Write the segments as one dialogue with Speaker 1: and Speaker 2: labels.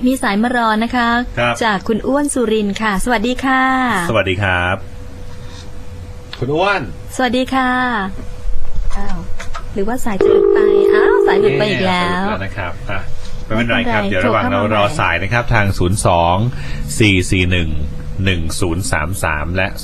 Speaker 1: มีสายมารอนะคะจากคุณอ้วนสุรินทร์ค่ะสวัสดีค่ะ
Speaker 2: สวัสดีครับคุณอ้วน
Speaker 1: สวัสดีค่ะอ้าวหรือว่าสายจะหลุดไปสายหลุดไปอีกแล้ว
Speaker 2: นะครับไม่เป็นไรครับเดี๋ยวระหว่างเรารอสายนะครับทาง02-441-1033และ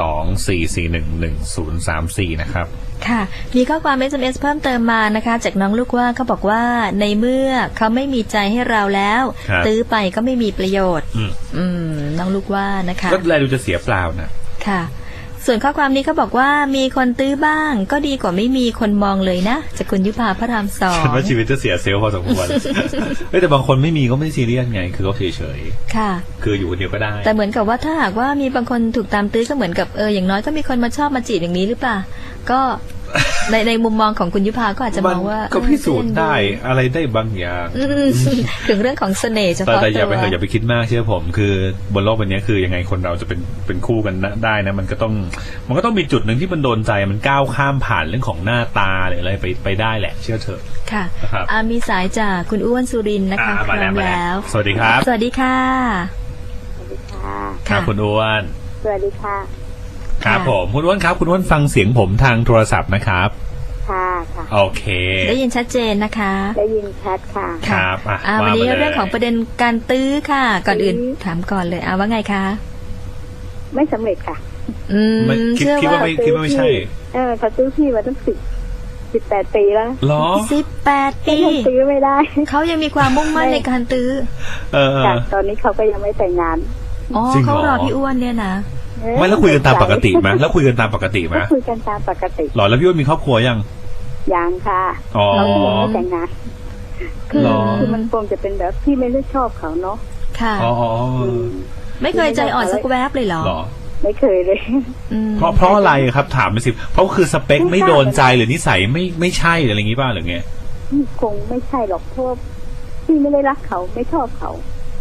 Speaker 2: 02-441-1034นะครับ
Speaker 1: ค่ะมีข้อความ SMS เพิ่มเติมมานะคะจากน้องลูกว่าเขาบอกว่าในเมื่อเขาไม่มีใจให้เราแล้วตื้อไปก็ไม่มีประโยชน์น้องลูกว่านะคะ
Speaker 2: ก็เลยดูจะเสียเปล่านะ
Speaker 1: ค่ะส่วนข้อความนี้เขาบอกว่ามีคนตื้อบ้างก็ดีกว่าไม่มีคนมองเลยนะจากคุณยุพาพระรามสอง
Speaker 2: ฉันว่าชีวิตจะเสียเซลล์พอสมควรแต่บางคนไม่มีก็ไม่ซีเรียสไงคือเขาเฉยๆค่ะคืออยู่คนเดียวก็ได้
Speaker 1: แต่เหมือนกับว่าถ้าหากว่ามีบางคนถูกตามตื้อก็เหมือนกับอย่างน้อยก็มีคนมาชอบมาจีบอย่างนี้หรือเปล่าก็ในมุมมองของคุณยุพาก็อาจจะมองว่า
Speaker 2: ก็พิสูจน์ได้อะไรได้บางอย่าง
Speaker 1: ถึงเรื่องของเสน่ห์เฉพาะตัว
Speaker 2: แต่อย่าไปคิดมากเชื่อผมคือบนโลกใบนี้คือยังไงคนเราจะเป็นคู่กันได้นะมันก็ต้องมีจุดหนึ่งที่มันโดนใจมันก้าวข้ามผ่านเรื่องของหน้าตาหรืออะไรไปได้แหละเชื่อเถอะ
Speaker 1: ค่ะมีสายจากคุณอ้วนสุรินทร์นะคะพร้อมแล้ว
Speaker 2: สวัสดีครับ
Speaker 1: สวัสดีค่ะ
Speaker 3: สวัสดีค่ะ
Speaker 2: ครับคุณอ้วน
Speaker 3: สวัสดีค่ะ
Speaker 2: ครับผมคุณอ้วนครับคุณอ้วนฟังเสียงผมทางโทรศัพท์นะครับ
Speaker 3: ค่ะ
Speaker 2: โอเค
Speaker 1: ได้ยินชัดเจนนะคะ
Speaker 3: ได้ยินชัดค่ะ
Speaker 2: ครับ
Speaker 1: วันนี้เรื่องของประเด็นการตื้อค่ะก่อนอื่นถามก่อนเลยว่าไงคะ
Speaker 3: ไม่สำเร็จค่ะ
Speaker 2: คิดว่าไม่ใช่
Speaker 3: เขาตื้อพี่มาตั้ง18 ปีแล้ว
Speaker 2: หรอ
Speaker 1: 18 ปี
Speaker 3: ตื้อไม่ได้
Speaker 1: เขายังมีความมุ่งมั่นในการตื้อ
Speaker 3: ตอนนี้เขาก็ยังไม่แต่งงาน
Speaker 1: เขารอพี่อ้วนเนี่ยนะ
Speaker 2: ไม่แล้วคุยกันตามปกติไหมแล้วคุยกันตามปกติไหม
Speaker 3: คุยกันตามปกติ
Speaker 2: หรอแล้วพี่อ้วนมีครอบครัวยัง
Speaker 3: ค่ะเรายังไม่แต่งงานคือมันคงจะเป็นแบบที่ไม่ได้ชอบเขาเนาะ
Speaker 1: ค่ะไม่เคยใจอ่อนสักแวบเลยเหรอ
Speaker 3: ไม่เคยเลย
Speaker 2: เพราะอะไรครับถามไปสิเพราะคือสเปคไม่โดนใจหรือนิสัยไม่ใช่อะไรอย่างงี้ป่ะหรือไง
Speaker 3: คงไม่ใช่หรอกเพราะพี่ไม่ได้รักเขาไม่ชอบเขา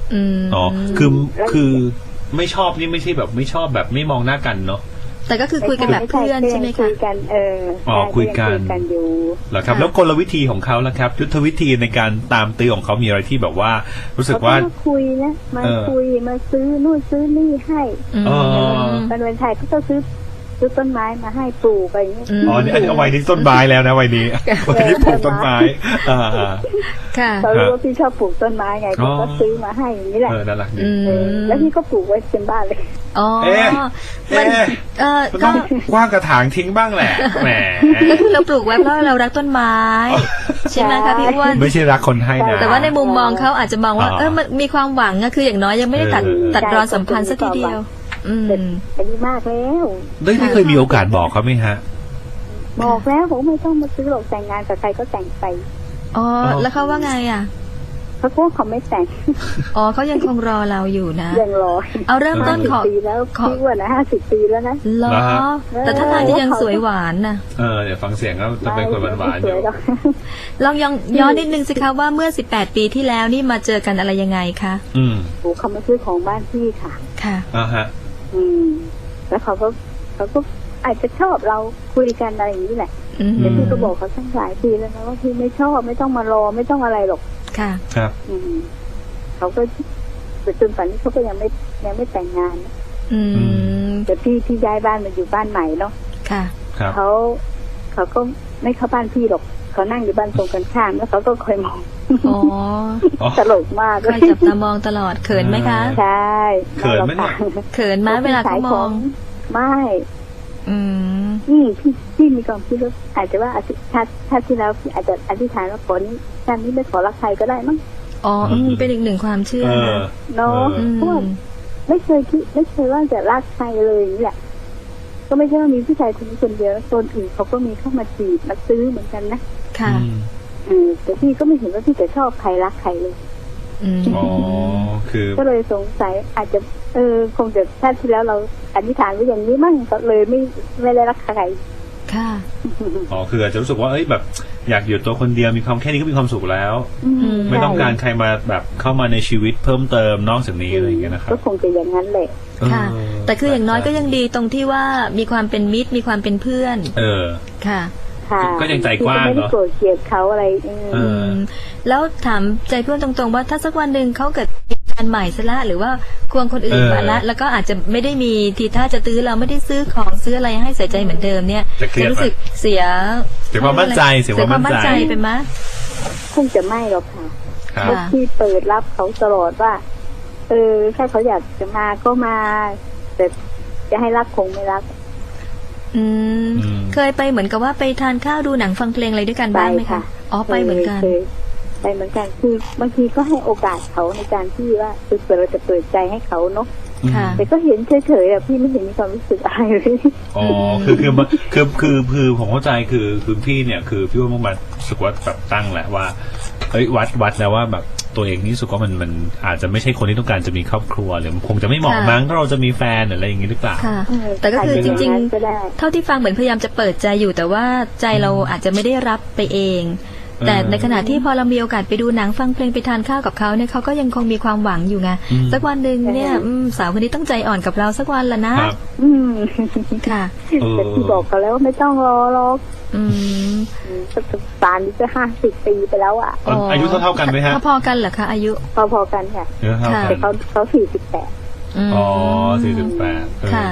Speaker 2: คือไม่ชอบนี่ไม่ใช่แบบไม่ชอบแบบไม่มองหน้ากันเนาะ
Speaker 1: แต่ก็คือคุยกันแบบเพื่อนใช่ไหมคะ
Speaker 3: คุยกัน
Speaker 2: คุยกัน
Speaker 3: อยู่
Speaker 2: เหรอครับแล้วกลวิธีของเขาล่ะครับยุทธวิธีในการตามตื้อของเขามีอะไรที่แบบว่ารู้สึกว่า
Speaker 3: คุยนะมาคุยมาซื้อนู่นซื้อนี่ให้วันไทยก็ต้องซื้อต้นไม้มาให้ปลูกอะไรอย่างเงี้ย
Speaker 2: นี่เอาไว้นี่ต้นไม้แล้วนะวัยนี้วัยนี้ปลูกต้นไม้
Speaker 1: ค่ะ
Speaker 3: เขารู้ว่าพี่ชอบปลูกต้นไม้ไงก็ซื้อมาให้อย่างนี้แหละ
Speaker 2: น่ารักดี
Speaker 3: แล้วพี่ก็ปลูกไว้เต็มบ้านเลย
Speaker 1: มัน
Speaker 2: ต้องกว้างกระถางทิ้งบ้างแหละแหม
Speaker 1: ก็คือเราปลูกไว้เพราะเรารักต้นไม้ใช่ไหมคะพี่อ้วน
Speaker 2: ไม่ใช่รักคนให้นะ
Speaker 1: แต่ว่าในมุมมองเขาอาจจะมองว่ามันมีความหวังคืออย่างน้อยยังไม่ได้ตัดรอนสัมพันธ์สักทีเดียว
Speaker 3: อายุมากแล้ว
Speaker 2: ได้เคยมีโอกาสบอกเขาไหมฮะ
Speaker 3: บอกแล้วผมไม่ต้องมาซื้อหรอกแต่งงานกับใครก็แต่งไป
Speaker 1: แล้วเขาว่าไง
Speaker 3: เขาก็เขาไม่แต่ง
Speaker 1: เขายังคงรอเราอยู่นะ
Speaker 3: ยังรอ
Speaker 1: เอาเริ่มต้นขอ
Speaker 3: ปีแล้วพี่ว่านะ50 ปีแล้วนะ
Speaker 1: รอแต่ถ้าทางจะยังสวยหวานนะ
Speaker 2: เดี๋ยวฟังเสียงก็จะเป็นคนหวานๆอยู่
Speaker 1: ลองย้อนนิดนึงสิคะว่าเมื่อ18 ปีที่แล้วนี่มาเจอกันอะไรยังไงคะ
Speaker 3: เขามาซื้อของบ้านพี่ค่ะ
Speaker 2: ฮะ
Speaker 3: แล้วเขาก็อาจจะชอบเราคุยกันอะไรอย่างนี้แหละแต่พี่ก็บอกเขาตั้งหลายปีแล้วนะว่าพี่ไม่ชอบไม่ต้องมารอไม่ต้องอะไรหรอก
Speaker 1: ค่ะ
Speaker 2: ครับ
Speaker 3: เขาก็จนป่านนี้เขาก็ยังไม่แต่งงานแต่พี่ย้ายบ้านมาอยู่บ้านใหม่เนาะ
Speaker 1: ค่ะ
Speaker 3: เขาก็ไม่เข้าบ้านพี่หรอกเขานั่งอยู่บ้านตรงกันข้ามแล้วเขาก็คอยมองตลกมาก
Speaker 1: คอยจับตามองตลอดเขินไหมคะ
Speaker 3: ใช่
Speaker 2: เขินไหม
Speaker 1: เขินไหมเวลาเขามอง
Speaker 3: ไม่พี่มีความคิดว่าอาจจะว่าชาติที่แล้วอาจจะอธิษฐานว่าขอนี้ชาตินี้ไม่ขอรักใครก็ได้มั้ง
Speaker 1: เป็นอีกหนึ่งความเชื่อ
Speaker 3: เนาะเพราะไม่เคยว่าจะรักใครเลยนี่แหละก็ไม่ใช่ว่ามีผู้ชายคนเดียวคนอื่นเขาก็มีเข้ามาจีบมาซื้อเหมือนกันนะ
Speaker 1: ค่ะ
Speaker 3: แต่พี่ก็ไม่เห็นว่าพี่จะชอบใครรักใครเลย
Speaker 2: คือ
Speaker 3: ก็เลยสงสัยอาจจะคงจะชาติที่แล้วเราอธิษฐานไว้อย่างนี้มั่งก็เลยไม่ได้รักใคร
Speaker 1: ค่ะ
Speaker 2: คืออาจจะรู้สึกว่าแบบอยากอยู่ตัวคนเดียวมีความแค่นี้ก็มีความสุขแล้วไม่ต้องการใครมาแบบเข้ามาในชีวิตเพิ่มเติมนอกจากนี้อะไรอย่างเงี้ยนะครับ
Speaker 3: ก็คงจะอย่างนั้นแหละ
Speaker 1: ค่ะแต่คืออย่างน้อยก็ยังดีตรงที่ว่ามีความเป็นมิตรมีความเป็นเพื่อนค่ะ
Speaker 2: ก็ยังใจกว้างเนาะ
Speaker 3: ไม่ได้โกรธเกลียดเขาอะไร
Speaker 1: แล้วถามใจเพื่อนตรงๆว่าถ้าสักวันหนึ่งเขาเกิดนใหม่ซะละหรือว่าควงคนอื่นมาละแล้วก็อาจจะไม่ได้มีทีท่าจะตื้อเราไม่ได้ซื้อของซื้ออะไรให้ใส่ใจเหมือนเดิมเนี่ยจะรู้สึกเสีย
Speaker 2: ความมั่นใจเสียความมั่นใจ
Speaker 1: เป็นไหม
Speaker 3: คงจะไม่หรอกค่ะ
Speaker 2: ครับ
Speaker 3: ที่เปิดรับเขาตลอดว่าถ้าเขาอยากจะมาก็มาแต่จะให้รักคงไม่รัก
Speaker 1: เคยไปเหมือนกับว่าไปทานข้าวดูหนังฟังเพลงอะไรด้วยกันบ้างไหมคะอ๋อไปเหมือนกัน
Speaker 3: ไปเหมือนกันคือบางทีก็ให้โอกาสเขาในการที่ว่าเราจะเปิดใจให้เขาเนาะแต่ก็เห็นเฉยๆอะพี่ไม่เห็นมีความรู้สึกอะไรเลย
Speaker 2: อ๋อคือผมเข้าใจคือพี่เนี่ยคือพี่ว่ามันรู้สึกว่าแบบตั้งแหละว่าวัดแล้วว่าแบบตัวเองนี่รู้สึกว่ามันอาจจะไม่ใช่คนที่ต้องการจะมีครอบครัวหรือคงจะไม่เหมาะมั้งถ้าเราจะมีแฟนอะไรอย่างนี้หรือเปล่า
Speaker 1: แต่ก็คือจริงๆเท่าที่ฟังเหมือนพยายามจะเปิดใจอยู่แต่ว่าใจเราอาจจะไม่ได้รับไปเองแต่ในขณะที่พอเรามีโอกาสไปดูหนังฟังเพลงไปทานข้าวกับเขาเนี่ยเขาก็ยังคงมีความหวังอยู่ไงสักวันหนึ่งเนี่ยสาวคนนี้ต้องใจอ่อนกับเราสักวันละนะค่ะ
Speaker 3: แต่ที่บอกเขาแล้วว่าไม่ต้องรอหรอกป่านนี้จะ50 ปีไปแล้วอ่ะ
Speaker 2: อายุเท่ากันไหมฮะ
Speaker 1: พอกันเหรอคะอายุ
Speaker 3: พอกันค่ะแต่เขา48
Speaker 2: อ๋อ48ค่ะ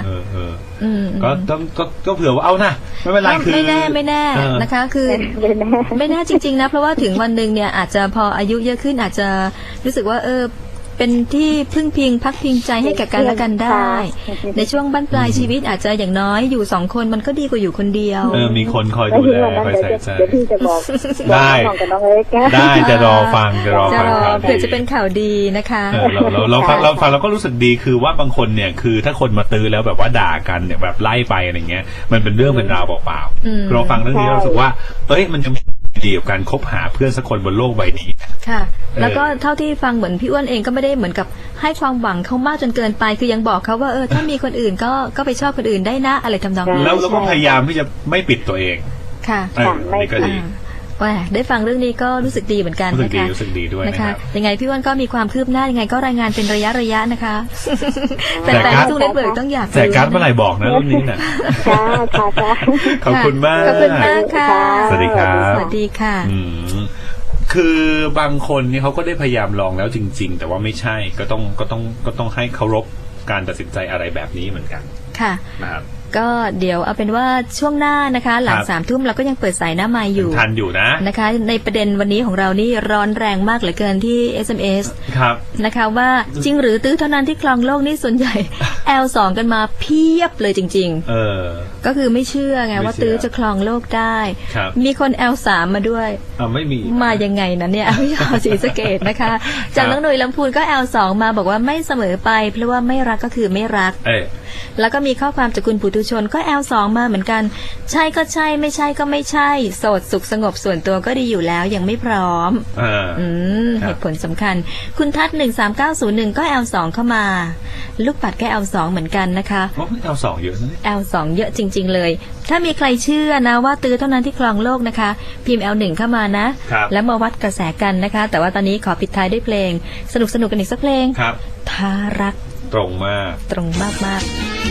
Speaker 2: ก็เผื่อว่าเอานะไม่เป็นไรคือ
Speaker 1: ไม่แน่นะคะคือไม่แน่จริงๆนะเพราะว่าถึงวันหนึ่งเนี่ยอาจจะพออายุเยอะขึ้นอาจจะรู้สึกว่าเป็นที่พึ่งพิงพักพิงใจให้แก่กันและกันได้ในช่วงบั้นปลายชีวิตอาจจะอย่างน้อยอยู่2 คนมันก็ดีกว่าอยู่คนเดียว
Speaker 2: มีคนคอยดูแลคอยใส่ใจ
Speaker 3: เดี๋ยวพี่จะบอก
Speaker 2: ได้จะรอฟัง
Speaker 1: เผื่อจะเป็นข่าวดีนะคะ
Speaker 2: เราฟังเราก็รู้สึกดีคือว่าบางคนเนี่ยคือถ้าคนมาตื้อแล้วแบบว่าด่ากันเนี่ยแบบไล่ไปอะไรเงี้ยมันเป็นเรื่องเป็นราวเปล่าๆเราฟังเรื่องนี้เรารู้สึกว่ามันจะดีกับการคบหาเพื่อนสักคนบนโลกใบนี้
Speaker 1: ค่ะแล้วก็เท่าที่ฟังเหมือนพี่อ้วนเองก็ไม่ได้เหมือนกับให้ความหวังเขามากจนเกินไปคือยังบอกเขาว่าถ้ามีคนอื่นก็ไปชอบคนอื่นได้นะอะไรทำนองนี้
Speaker 2: แล้วก็พยายามที่จะไม่ปิดตัวเอง
Speaker 1: ค่ะ
Speaker 2: นี่ก็ดี
Speaker 1: ได้ฟังเรื่องนี้ก็รู้สึกดีเหมือนกันนะคะ
Speaker 2: รู้สึกดีด้วย
Speaker 1: นะคะยังไงพี่อ้วนก็มีความคืบหน้ายังไงก็รายงานเป็นระยะนะคะแต่ทุกเน็ตเวิร์กต้องอยาก
Speaker 2: แต่การ์ดเมื่อไหร่บอกนะเรื่องนี้น่ะขอบคุณมาก
Speaker 1: ค่ะ
Speaker 2: สวัสดีครับ
Speaker 1: สวัสดีค่ะ
Speaker 2: คือบางคนนี่เขาก็ได้พยายามลองแล้วจริงๆแต่ว่าไม่ใช่ก็ต้องให้เคารพการตัดสินใจอะไรแบบนี้เหมือนกัน
Speaker 1: ค่ะ
Speaker 2: นะครับ
Speaker 1: ก็เดี๋ยวเอาเป็นว่าช่วงหน้านะคะหลัง3 ทุ่มเราก็ยังเปิดสายหน้าไมค์อยู่
Speaker 2: ทันอยู่
Speaker 1: นะคะในประเด็นวันนี้ของเรานี่ร้อนแรงมากเหลือเกินที่ SMS
Speaker 2: ครับ
Speaker 1: นะคะว่าจริงหรือตื้อเท่านั้นที่ครองโลกนี่ส่วนใหญ่ L2 กันมาเพียบเลยจริงๆก็คือไม่เชื่อไงว่าตื้อจะครองโลกได้มีคน L3 มาด้วย
Speaker 2: ไม่มี
Speaker 1: มายังไงนะเนี่ยพี่ชาวศรีสะเกษนะคะจากน้องหนุ่ยลำพูนก็ L2 มาบอกว่าไม่เสมอไปเพราะว่าไม่รักก็คือไม่รักแล้วก็มีข้อความจากคุณปุถุชนก็ L2 มาเหมือนกันใช่ก็ใช่ไม่ใช่ก็ไม่ใช่โสดสุขสงบส่วนตัวก็ดีอยู่แล้วยังไม่พร้อมเหตุผลสำคัญคุณทัศน์13901ก็ L2 เข้ามาลูกปัดก็ L2 เหมือนกันนะคะ
Speaker 2: L2 เยอะนะ
Speaker 1: L2 เยอะจริงๆเลยถ้ามีใครเชื่อนะว่าตื้อเท่านั้นที่ครองโลกนะคะพิมพ์ L1 เข้ามานะแล้วมาวัดกระแสกันนะคะแต่ว่าตอนนี้ขอปิดท้ายด้วยเพลงสนุกกันอีกสักเพลง
Speaker 2: ครับ
Speaker 1: ทารัก
Speaker 2: ตรงมาก
Speaker 1: มาก